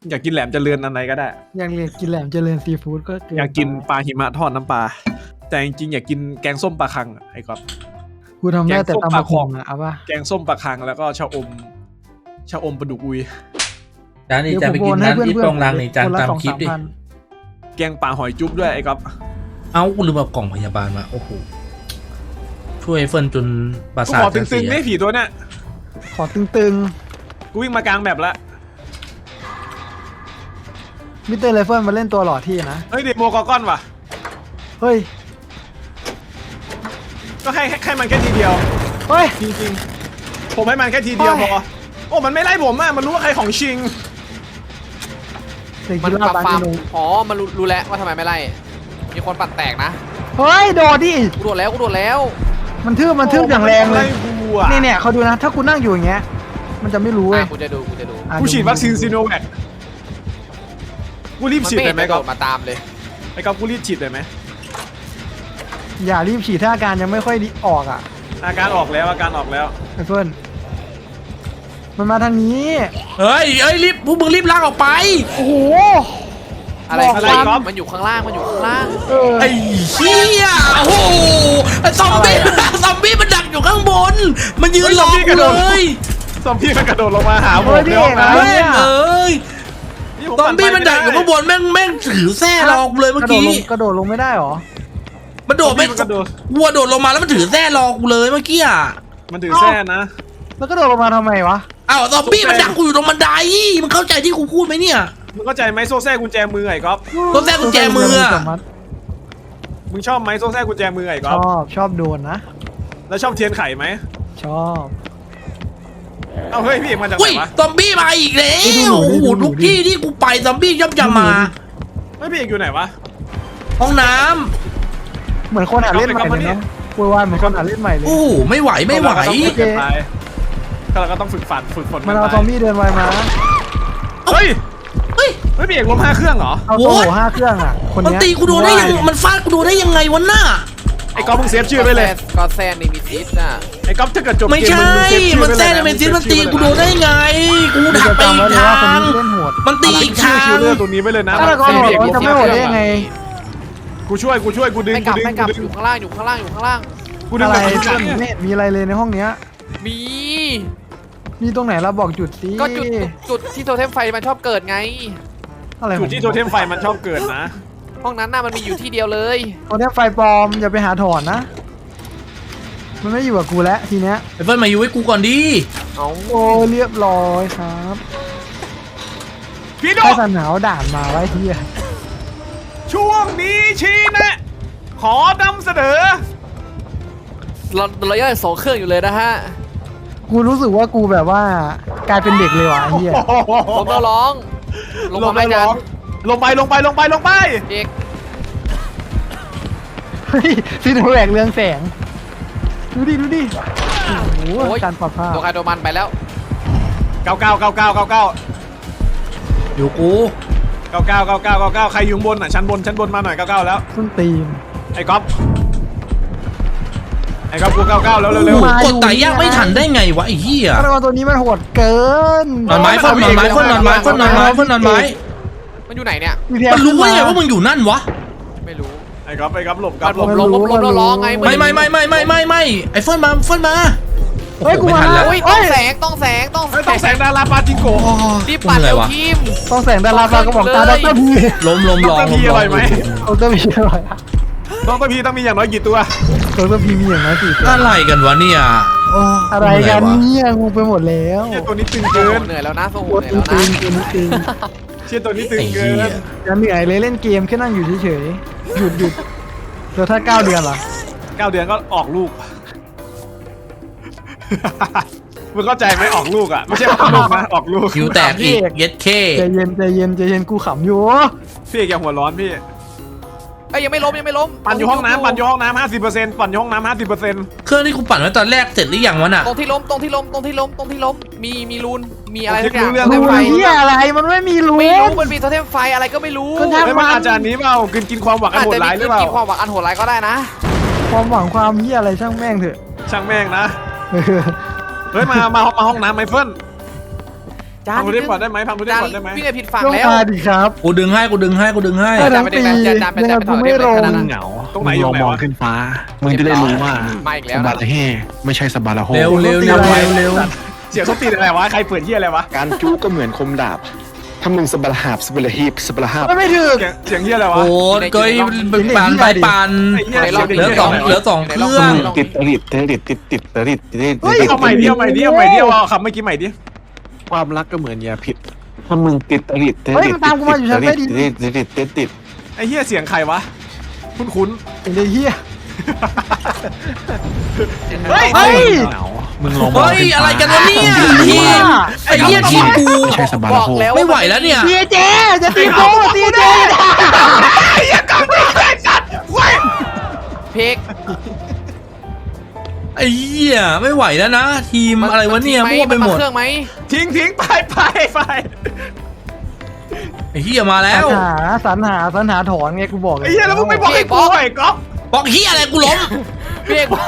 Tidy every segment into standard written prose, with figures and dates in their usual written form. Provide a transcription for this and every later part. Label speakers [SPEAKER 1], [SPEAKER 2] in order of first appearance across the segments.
[SPEAKER 1] อยากกินแหลมเจริญอะไรก็ได้
[SPEAKER 2] อยากกินแหลมเจริญซีฟู้ดก็
[SPEAKER 1] อยากกินปลาหิมะทอดน้ำปลาแต่จริงๆอยากกินแกงส้มปลาคังไอ้ก๊อฟ
[SPEAKER 2] กูทำได้แต่ตำบักหุ่งอะเอาป่ะ
[SPEAKER 1] แกงส้มปลาคังแล้วก็ชะอมปลาดุกอุย
[SPEAKER 3] จานนี้จะไปกินร้านที่ตรงรังนี่จานตามคลิปดิ
[SPEAKER 1] แกงป่าหอยจุ๊บด้วยไอ้ก๊อฟ
[SPEAKER 3] เอ้ากูลืมเอากล่องพยาบาลมาโอ้โหช่วยเฟิร์นจนประสาท
[SPEAKER 1] ขอตึงๆไม่ผีตัวเนี้ย
[SPEAKER 2] ขอตึง
[SPEAKER 1] กูวิ่งมากลางแบบละ
[SPEAKER 2] มิสเตอร์ไรเฟิลมาเล่นตัวหล่อที่นะ
[SPEAKER 1] เฮ้ยเดโมกอร์กอนว่ะ
[SPEAKER 2] เฮ้ย
[SPEAKER 1] ก็ให้มันแค่ทีเดียว
[SPEAKER 2] เฮ้ย
[SPEAKER 1] จริงๆผมให้มันแค่ทีเดียวพอโอ้มันไม่ไล่ผมอ่ะมันรู้ว่าใครของชิง
[SPEAKER 4] มันปรับฟาร์มอ๋อมันรู้แล้วว่าทำไมไม่ไล่มีคนปั่นแตกนะ
[SPEAKER 2] เฮ้ยโดดดิ
[SPEAKER 4] กูโดดแล้ว
[SPEAKER 2] มันทืบอย่างแรงเลยเนี่ยเขาดูนะถ้ากูนั่งอยู่อย่างเงี้ยมันจะไม่รู้เลย
[SPEAKER 4] กูจะดู
[SPEAKER 1] กูฉีดวัคซีนซีโนแวคกูรีบฉีดเลยไหมก็
[SPEAKER 4] มาตามเลย
[SPEAKER 1] ไอ้ก๊อฟกูรีบฉีดเลยไหม
[SPEAKER 2] อย่ารีบฉีดถ้าอาการยังไม่ค่อยดีออกอ่ะ
[SPEAKER 1] อาการออกแล้ว
[SPEAKER 2] ไอ้เฟิร์นมันมาทางนี้
[SPEAKER 3] เฮ้ยรีบพวกมึงรีบลากออกไป
[SPEAKER 2] โอ้โห
[SPEAKER 4] อะไรก๊อฟมันอยู่ข้างล่าง
[SPEAKER 3] ไอ้เหี้ยโอ้โหซอมบี้มันดักอยู่ข้างบนมันยืนรอกูเลย
[SPEAKER 1] ซอมบี้มันกระโดดลงมาหาผม
[SPEAKER 2] เดี๋ยวนะ
[SPEAKER 3] แม่งซอมบี้มันดักอยู่ข้างบนแม่งถือแส้รอกูเลยเมื่อกี้
[SPEAKER 2] กระโดดลงไม่ได้หรอ
[SPEAKER 3] มันโดดไม่วัวโดดลงมาแล้วมันถือแส้รอกูเลยเมื่อกี้อ่ะ
[SPEAKER 1] มันถือแส้นะ
[SPEAKER 2] แล้วก็โดดลงมาทำไมวะ
[SPEAKER 3] อ้าวซอมบี้มันดักกูอยู่ตรงบันไดมึงเข้าใจที่กูพูดไหมเนี่ย
[SPEAKER 1] มึงเข้าใจไหมโซ่แส้กุญแจมือไอ้ก๊อฟ
[SPEAKER 3] โซ่แส้กุญแจมือ
[SPEAKER 1] มึงชอบไหมโซ่แส้กุญแจมือไอ้ก๊อฟ
[SPEAKER 2] ชอบโดนนะ
[SPEAKER 1] แล้วชอบเทียนไข่ไหม
[SPEAKER 2] ชอบ
[SPEAKER 1] เอาเฮ้ยพี่มาจากไหนวะ
[SPEAKER 3] ซอมบี้มาอีกแล้วโอ้โหทุกที่ที่กูไปซอมบี้ย่อมจะมา
[SPEAKER 1] ไม่พี่เอกอยู่ไหนวะ
[SPEAKER 3] ห้องน้
[SPEAKER 2] ำเหมือนคนหาเล่นใหม่เลยนะกูว่าเหมือนคนหาเล่นใหม่เลย
[SPEAKER 3] โอ้ไม่ไหว
[SPEAKER 1] ก็เราก็ต้องฝึกฝน
[SPEAKER 2] มันเอาซอมบี้เดินไวมา
[SPEAKER 1] เฮ้ยพี่เอกล้ม5 เครื่องเหรอ
[SPEAKER 2] เอาโอ้โห5 เครื่องอ่ะ
[SPEAKER 3] มันตีกูโดนได้ยังมันฟาดกูโดนได้ยังไงวะน่ะ
[SPEAKER 1] ไอ้ก๊อฟมึงเซฟชื่อไปเลย
[SPEAKER 4] ก็แซนนี่มีซิสน่ะ
[SPEAKER 1] ไอ้ก๊อฟถ้าเกิดจบ
[SPEAKER 3] ไม่ใช่มันแซนในเมนซิสมันตีกูโดนได้ไงกูถักไปอีกทางมันตีอีกทาง
[SPEAKER 1] ตัวนี้ไปเลยนะ
[SPEAKER 2] ถ้าเราจะไม่หมดได้ยังไง
[SPEAKER 1] กูช่วยกูดึง
[SPEAKER 4] ไม่กลับอยู่ข้างล่าง
[SPEAKER 1] กูดึง
[SPEAKER 2] อะไรไม่มีอะไรเลยในห้องเนี้ยมีตรงไหนเราบอกจุดสิ
[SPEAKER 4] ก็จุดที่โทเทมไฟมันชอบเกิดไง
[SPEAKER 2] อะไร
[SPEAKER 1] จุดที่โทเทมไฟมันชอบเกิดนะ
[SPEAKER 4] ห้องนั้นน่ะมันมีอยู่ที่เดียวเลย
[SPEAKER 2] โทเทมไฟปลอมอย่าไปหาถอนนะมันไม่อยู่กับกูแล้วทีเนี้ย
[SPEAKER 3] ไอ้เฟิร์นมาอยู่ให้กูก่อนดิ
[SPEAKER 2] โอ้เรียบร้อยครับ
[SPEAKER 1] พี่โด
[SPEAKER 2] นหนาวด่านมาไว้ที่
[SPEAKER 1] ช่วงนี้ชี้นะขอนำเสนอ
[SPEAKER 4] เราย่อย2 เครื่องอยู่เลยนะฮะ
[SPEAKER 2] กูรู้สึกว่ากูแบบว่ากลายเป็นเด็กเลยว่ะเฮีย
[SPEAKER 4] ผมต้องร้องลงไปเด็ก
[SPEAKER 2] เฮ้ยซีโนแวคเรืองแสงดูดิโอ้โหการปรับผ้า
[SPEAKER 4] ตัวใครตัวมันไปแล้ว
[SPEAKER 1] 99
[SPEAKER 3] อยู่กู
[SPEAKER 1] 99ใครอยู่บนอ่ะชั้นบนมาหน่อย99แล้ว
[SPEAKER 2] ส้นตีน
[SPEAKER 1] ไอ้ก๊อฟกู99แล้วเร็ว
[SPEAKER 3] กดไต่ยากไม่ทันได้ไงวะไอ้เหี้ย
[SPEAKER 2] ตัวนี้มันโหดเกิน
[SPEAKER 3] นอนไม้นอนไม้
[SPEAKER 4] มันอยู่ไหนเนี่ย
[SPEAKER 3] มันรู้ว่าไงว่ามึงอยู่นั่นวะ
[SPEAKER 4] ไม่รู้
[SPEAKER 1] ไอ้ก๊อฟหลบ
[SPEAKER 4] ร้องไง
[SPEAKER 3] ไม่ไอ้เฟิร์นมา
[SPEAKER 2] เฮ้ยกูมา
[SPEAKER 4] ต้องแสง
[SPEAKER 1] ดาราปาจิงโก
[SPEAKER 4] รีบปัดเร็วทีม
[SPEAKER 2] ต้องแสงดาราปากระบอกตาดรพี
[SPEAKER 3] ล้ม
[SPEAKER 1] ดรพีอร่อยไหม
[SPEAKER 2] ดรพีอร่อย
[SPEAKER 1] ดรพีต้องมีอย่างน้อยกี่ตัว
[SPEAKER 2] ดรพีมีอย่างน้อย4 ตัว
[SPEAKER 3] อะไรกันวะเนี่ย
[SPEAKER 2] อะไรกันเนี่ยงูไปหมดแล้ว
[SPEAKER 1] ตัวนี้ตึงเกิน
[SPEAKER 4] เหนื่อยแล้วนะโซ่เหนื่อย
[SPEAKER 2] แล้วนะ
[SPEAKER 1] เชี่ยตัวนี้ตึงเกิน
[SPEAKER 2] จะเหนื่อยเลยเล่นเกมแค่นั่งอยู่เฉยๆหยุดแล้วถ้า9 เดือนล่ะ
[SPEAKER 1] 9 เดือนก็ออกลูกมึงเข้าใจไหมออกลูกอ่ะไม่ใช่ออกลูกนะออกลูก
[SPEAKER 3] คิวแตกอีกเย็ดเค
[SPEAKER 2] ใจเย็นกูขำอยู่
[SPEAKER 1] พี่อย่าหัวร้อนพี่
[SPEAKER 4] ยังไม่ล้ม
[SPEAKER 1] ปั่นอยู่ห้องน้ำ50%ปั่นอยู่ห้องน้ำ50%
[SPEAKER 3] เครื่องที่กูปั่นไว้ตอนแรกเสร็จหรือยังวะน่ะ
[SPEAKER 4] ตรงที่ล้มมีรูนมีอะไรสักอย่าง
[SPEAKER 2] รูนอะไรมันไม่มีรูน
[SPEAKER 4] ไม่รู้มันมีโทเทมไฟอะไรก็ไม่รู้
[SPEAKER 1] มันอาจจะนี้เปล่ากินความหวังอันโหดร้ายหรือเปล่า
[SPEAKER 4] กินความหวังอันโหดร้ายก็ได้นะ
[SPEAKER 2] ความหวังความเหี้ยอะไรช่างแม่งเถอะ
[SPEAKER 1] ช่างแม่งนะเฮ้ยมาห้องน้ำไมเฟิล
[SPEAKER 4] จาน
[SPEAKER 1] พังได้ก่อนได้ไหมพังได้
[SPEAKER 4] จาน
[SPEAKER 1] ก่อนได้ไหม
[SPEAKER 4] วิ่งไปผิดฝั่ง
[SPEAKER 2] ต้อง
[SPEAKER 4] แล้ว
[SPEAKER 2] มาดิครับ
[SPEAKER 3] กูดึงให้กูดึงให้กูดึงให้
[SPEAKER 2] เออ
[SPEAKER 4] จานไปเด็กจานไป
[SPEAKER 2] ยังไง
[SPEAKER 4] จานไปถ
[SPEAKER 2] กู
[SPEAKER 4] อด
[SPEAKER 2] ไม่
[SPEAKER 4] เด็ก
[SPEAKER 2] ลง
[SPEAKER 4] ขนาดนั้น
[SPEAKER 5] เหงา
[SPEAKER 1] ตรงไหน
[SPEAKER 5] มึ
[SPEAKER 1] อยู่
[SPEAKER 5] ลอง
[SPEAKER 1] ไหน
[SPEAKER 5] มอง
[SPEAKER 1] วะ
[SPEAKER 5] ขึ้นฟ้า มึงจะได้รู้ว่า
[SPEAKER 4] มาอีกแล้ว
[SPEAKER 5] ส
[SPEAKER 4] นะ
[SPEAKER 5] บาระเฮไม่ใช่สบาระโฮ
[SPEAKER 3] เร็วเร็วเร็วเร็วเร็ว
[SPEAKER 1] เสียงเขาตีอะไรวะใครเปิดที่อะไรวะ
[SPEAKER 5] การจู้ก็เหมือนคมดาบถ้ามึงสบาระหาบสบาระฮีบสบาระหาบ
[SPEAKER 2] ไม่ถึก
[SPEAKER 1] เสียงที่อะไรวะ
[SPEAKER 3] โอ้เกยปั่นไปปั่น
[SPEAKER 1] ไอ้เหี้ย
[SPEAKER 3] เหลือสองเครื่อง
[SPEAKER 5] ติดตริดติดตริด
[SPEAKER 1] เฮ้ยเอาใหม่ดิเอาใหม่ดิเอาใหม่ดิเอาคำเมื่อกี้ใหม่ดิ
[SPEAKER 5] ความรักก็เหมือนยาพิษถ้ามึงติดตริด
[SPEAKER 2] เฮ้ยมันตามกูมาอยู่ชั้นใต้ดิน
[SPEAKER 5] ติด
[SPEAKER 1] ไอ้เหี้ยเสียงใครวะคุ้น
[SPEAKER 2] ไอ้เหี้ย
[SPEAKER 1] ๆเฮ้ย
[SPEAKER 2] เฮ้ย
[SPEAKER 5] เหงามึงลองมอง
[SPEAKER 3] เฮ้ย
[SPEAKER 5] ขึ้นฟ้า
[SPEAKER 3] อะไรกันวะเนี่ยทีมไอ้เหี้ยทีมกู
[SPEAKER 5] ไม่ใช่สบาระโฮ
[SPEAKER 3] ไม่ไหวแล้วเนี่ย
[SPEAKER 2] ตีเจจะตีโก้ตีเจ
[SPEAKER 4] เพก
[SPEAKER 3] ไอ้เหี้ยไม่ไหวแล้วนะ ทีมอะไรวะเนี่ยมั่วไปหมด
[SPEAKER 4] เครื่องไหม
[SPEAKER 1] ทิ้งไป
[SPEAKER 3] ไอ้เหี้ยมาแล้ว
[SPEAKER 2] สรรหาถอนไงกูบอกเลย
[SPEAKER 1] ไอ้เหี้ยแล้วมึงไม่บอกให้กูไอ้ก๊อฟ
[SPEAKER 3] บอกเหี้ยอะไรกูล้ม
[SPEAKER 4] เพกบอก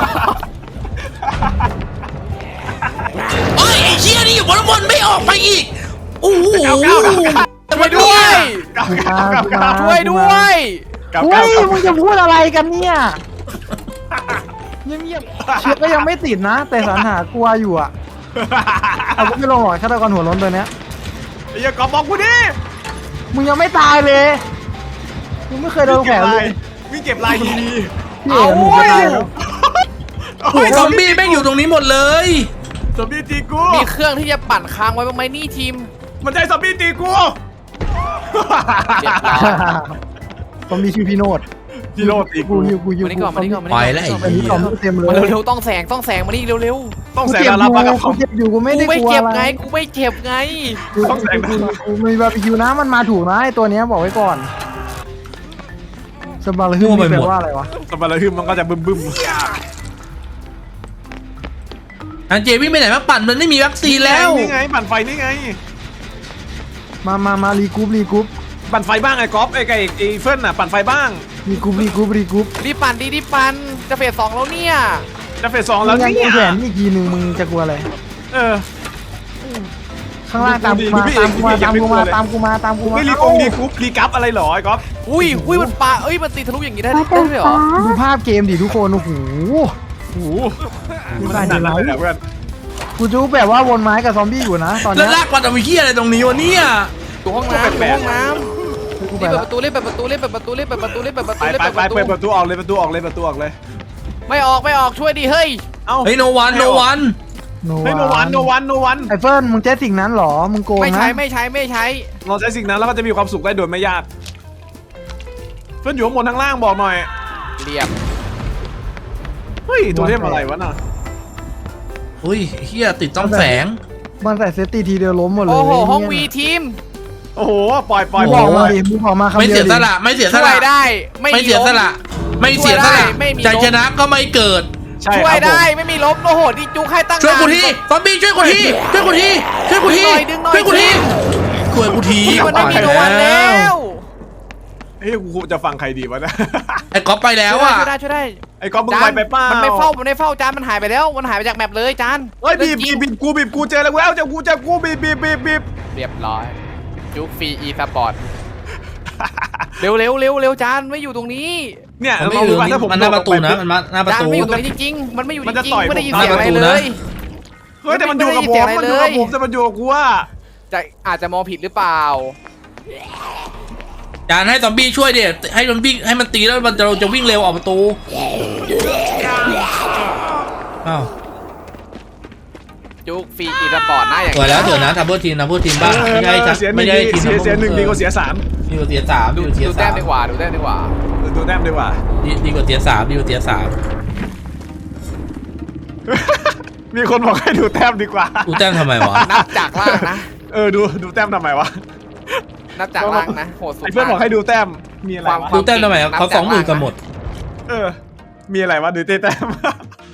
[SPEAKER 3] เฮ้ยไอ้เหี้ยนี่อยู่บนบนไม่ออกไปอีกโอ้โห
[SPEAKER 4] ช่วยด้วย ช่วยด้วย
[SPEAKER 2] เฮ้ยมึงจะพูดอะไรกันเนี่ยเงียบๆเชือกก็ยังไม่ติดนะ แต่สรรหากลัวอยู่อ่ะเอากูไม่ลงหรอกฆาตกรหัวร้นตัวเนี้ย
[SPEAKER 1] ไอ้เหี้ยก๊อฟบอกกูดิ
[SPEAKER 2] มึงยังไม่ตายเลยมึงไม่เคยโดนแผลเลย
[SPEAKER 1] วิ่งเก็บลายดี
[SPEAKER 2] พี่เอ๋มึงจะตายแล้ว
[SPEAKER 3] เฮ้ยซอมบี้แม่งอยู่ตรงนี้หมดเลย
[SPEAKER 1] ซอมบี้ตีกู
[SPEAKER 4] มีเครื่องที่จะปั่นค้างไว้บ้างไหมนี่ทีม
[SPEAKER 1] มันใช่ซอมบี้ตีกู
[SPEAKER 4] เรียบร้อย
[SPEAKER 2] ผมมีชื่อพี่โนด
[SPEAKER 1] พี่โรดตี
[SPEAKER 2] กู
[SPEAKER 1] กู
[SPEAKER 2] อยู่กูอยู่
[SPEAKER 4] มานี่ก่อนมานี่ก่อนมา
[SPEAKER 3] ไป
[SPEAKER 4] นี่
[SPEAKER 3] แล้วไอ้
[SPEAKER 2] อันนี้
[SPEAKER 3] เหี้ย
[SPEAKER 2] ต่อมเต็มเลย
[SPEAKER 4] มาเร็วๆต้องแสงมานี่เร็ว
[SPEAKER 1] ต้อง
[SPEAKER 2] กู
[SPEAKER 1] แสง
[SPEAKER 2] เจ็บอ
[SPEAKER 1] รับ
[SPEAKER 2] ยู่
[SPEAKER 1] มากับ
[SPEAKER 2] กู
[SPEAKER 1] เขา
[SPEAKER 2] เจ็บอยู่กู
[SPEAKER 4] ๆ
[SPEAKER 2] ไม่
[SPEAKER 4] กู
[SPEAKER 2] ได้
[SPEAKER 4] ไม่
[SPEAKER 2] กลัว
[SPEAKER 4] เจ็บ
[SPEAKER 2] อะไร
[SPEAKER 4] ไงกูไม่เจ็บไง
[SPEAKER 1] ต้องแสง
[SPEAKER 2] กูมีบาร์บีคิวนะมันมาถูกนะไอตัวเนี้ยบอกไว้ก่อนสบาร์ฮึ่มนี่แปลว่าอะไรวะ
[SPEAKER 1] สมบัติฮึมมันก็จะบึ้ม
[SPEAKER 3] อันเจวิ่งไปไหนมาปั่นมันไม่มีวัคซีนแล้ว
[SPEAKER 1] นี่ไงปั่นไฟนี่ไง
[SPEAKER 2] มารีกรุ๊ป
[SPEAKER 1] ปั่นไฟบ้างไอ้ก๊อฟไอ้เฟิร์นน่ะปั่นไฟบ้าง
[SPEAKER 2] รีกรุ๊ป
[SPEAKER 4] รีบปั่นรีบปั่นจะเฟส2แล้วเนี่ย
[SPEAKER 1] จะเฟส 2
[SPEAKER 2] แล้
[SPEAKER 1] แล้ว ว
[SPEAKER 2] ยัง
[SPEAKER 1] เนี่ย
[SPEAKER 2] แขนอีกทีหนึ่งมึงจะกลัวอะไร
[SPEAKER 1] เออ
[SPEAKER 2] ข้างล่างตามกูมา
[SPEAKER 1] ไม่รีกงรีกรุ๊ปรีกัฟอะไรหรอไอ้ก๊อฟ
[SPEAKER 4] อุ้ยมันปามันตีทะลุอย่างนี้ได้ด้วยเหรอ
[SPEAKER 2] ดูภาพเกมดิทุกคนโอ้โห
[SPEAKER 1] โอ้โห
[SPEAKER 2] มัน
[SPEAKER 1] ข
[SPEAKER 2] ข
[SPEAKER 1] นา
[SPEAKER 2] นา
[SPEAKER 1] ด
[SPEAKER 2] ด
[SPEAKER 1] นั้
[SPEAKER 2] นั้น น
[SPEAKER 1] เลยเหรอเพื่อน
[SPEAKER 2] กูจูแบบว่าวนไม้กับซอมบี้อยู่นะตอน
[SPEAKER 3] แล้ว
[SPEAKER 2] เนี้ย
[SPEAKER 3] ลากมาทำไมเหี้ยอะไรตรงนี้วะเนี่ย
[SPEAKER 4] ตัวห้องน้ำตัวห้องน้ำ
[SPEAKER 2] กู
[SPEAKER 4] รี
[SPEAKER 2] ไป
[SPEAKER 4] บเปิด
[SPEAKER 2] ละ
[SPEAKER 4] ประตูรีบเปิดประตูรีบเปิดประตูรีบเปิดประตูรีบเปิดประตู
[SPEAKER 1] ไป
[SPEAKER 4] รีบ
[SPEAKER 1] ไป
[SPEAKER 4] เปิดประตู
[SPEAKER 1] เปิดประตูออกเลยประตูออกเลย
[SPEAKER 4] ไม่ออกช่วยดิเฮ้ย
[SPEAKER 1] เอ้า
[SPEAKER 3] เฮ้ยโนวัน
[SPEAKER 1] ไม่
[SPEAKER 2] โน
[SPEAKER 1] วัน
[SPEAKER 2] ไอเฟิร์นมึงใช้สิ่งนั้นหรอมึงโกง
[SPEAKER 4] ไม่
[SPEAKER 2] นะ
[SPEAKER 4] ใช้
[SPEAKER 1] เราใช้สิ่งนั้นแล้วก็จะมีความสุขได้โดยไม่ยากเฟิร์นอยู่ข้างบนข้างล่างบอกหน่อย
[SPEAKER 4] เรียบ
[SPEAKER 1] เฮ้ยตัวเทพอะไรวะน่ะ
[SPEAKER 3] อุ้ยเหี้ยติดต้องแสง
[SPEAKER 2] มันใส่เซฟตี้ทีเดียวล้มหมดเลย
[SPEAKER 4] โอ้โหห้องวีทีม
[SPEAKER 1] โอ้โหปล่อย
[SPEAKER 2] มึงบอกมาดิมึงบอกมาคำ
[SPEAKER 3] ไม่
[SPEAKER 2] เดี
[SPEAKER 3] เสี
[SPEAKER 2] ย
[SPEAKER 3] ยว ส
[SPEAKER 2] ดิ
[SPEAKER 3] ละไม่เสียส
[SPEAKER 4] ช่วย
[SPEAKER 3] ละ
[SPEAKER 4] ได้ไม่
[SPEAKER 3] ไม่เสียสละไม่เสียสละ
[SPEAKER 4] ไม่มี
[SPEAKER 3] ใจชนะก็ไม่เกิด
[SPEAKER 1] ใช่
[SPEAKER 4] ช่วยได้ไม่มีล้มโอ้โหดิจุกให้ตั้ง
[SPEAKER 3] ช่วยกูทีซอมบี้ช่วยกูทีช่วยกูทีช่วยกูทีช่วยกูทีช่วยกูที
[SPEAKER 4] มันไม่มีโดนแล้ว
[SPEAKER 1] เฮ้ยกูจะฟังใครดีวะเนี่ย
[SPEAKER 3] ไอ้ก๊อฟไปแล้วอ่ะ
[SPEAKER 4] ช่วยได้
[SPEAKER 1] ไอ้ก๊อฟมึงไปเปล่า
[SPEAKER 4] มันไม่เฝ้าจานมันหายไปแล้วมันหายไปจากแมปเลยจาน
[SPEAKER 1] เฮ้ยบีบกูเจอแล้วเจอกูบีบ
[SPEAKER 4] เรียบร้อยจุกฟรีอีสปอร์ตเร็วจานไม่อยู่ตรงนี้
[SPEAKER 1] เนี่ย
[SPEAKER 3] มันไม่อยู่ตรงนี้มันหน้าประตูนะมันมาหน้าประ
[SPEAKER 4] จาน
[SPEAKER 3] ตู
[SPEAKER 4] ไม่อยู่ตรงนี้จริงๆมันไม่อยู่จ
[SPEAKER 1] มันจะ
[SPEAKER 4] ริง
[SPEAKER 1] ต่อย
[SPEAKER 4] ๆไม่ได้ยิน
[SPEAKER 1] ผม
[SPEAKER 4] เสียงอะไร
[SPEAKER 3] หน้าประตู
[SPEAKER 4] เล
[SPEAKER 3] นะ
[SPEAKER 4] ย
[SPEAKER 1] เฮ้ยแต่มันอยู่กับผมแต่มันอยู่กับกูว่า
[SPEAKER 4] จะอาจจะมองผิดหรือเปล่า
[SPEAKER 3] จานให้ซอมบี้ช่วยเดี๋ยให้มันวิ่งให้มันตีแล้วมันจะวิ่งเร็วออกประตูอ้าว
[SPEAKER 4] จุกฟรีอีสปอร์ตนะอย่าง
[SPEAKER 3] สวยแล้วเดี๋ยวนะทับเบิลทีมบ้างไม่ใช่
[SPEAKER 1] เสีย
[SPEAKER 3] ไม่ใช่ทีม
[SPEAKER 1] เสียหนึ่งดีกว่าเสีย 3
[SPEAKER 3] ดีกว่าเสียสาม
[SPEAKER 4] ดู
[SPEAKER 3] ดีกว่าเสีย
[SPEAKER 4] แต้
[SPEAKER 3] สาม ม
[SPEAKER 4] ดีกว่าดูแต้มดีกว่า
[SPEAKER 1] ดูแต้มดีกว่า
[SPEAKER 3] ดีกว่าเสียสามดีกว่าเสียสาม
[SPEAKER 1] มีคนบอกให้ดูแต้มดีกว่า
[SPEAKER 3] กูแต้มทำไมวะ
[SPEAKER 4] นับจากล่างนะ
[SPEAKER 1] ดูแต้มทำไมวะ
[SPEAKER 4] นับจากล่างนะโหดสุด
[SPEAKER 1] ไอ้เพื่อนบอกให้ดูแต้มมีอะไรวะ
[SPEAKER 3] ดูแต้มทำไมเขา20,000กันหมด
[SPEAKER 1] มีอะไรวะดูแต้ม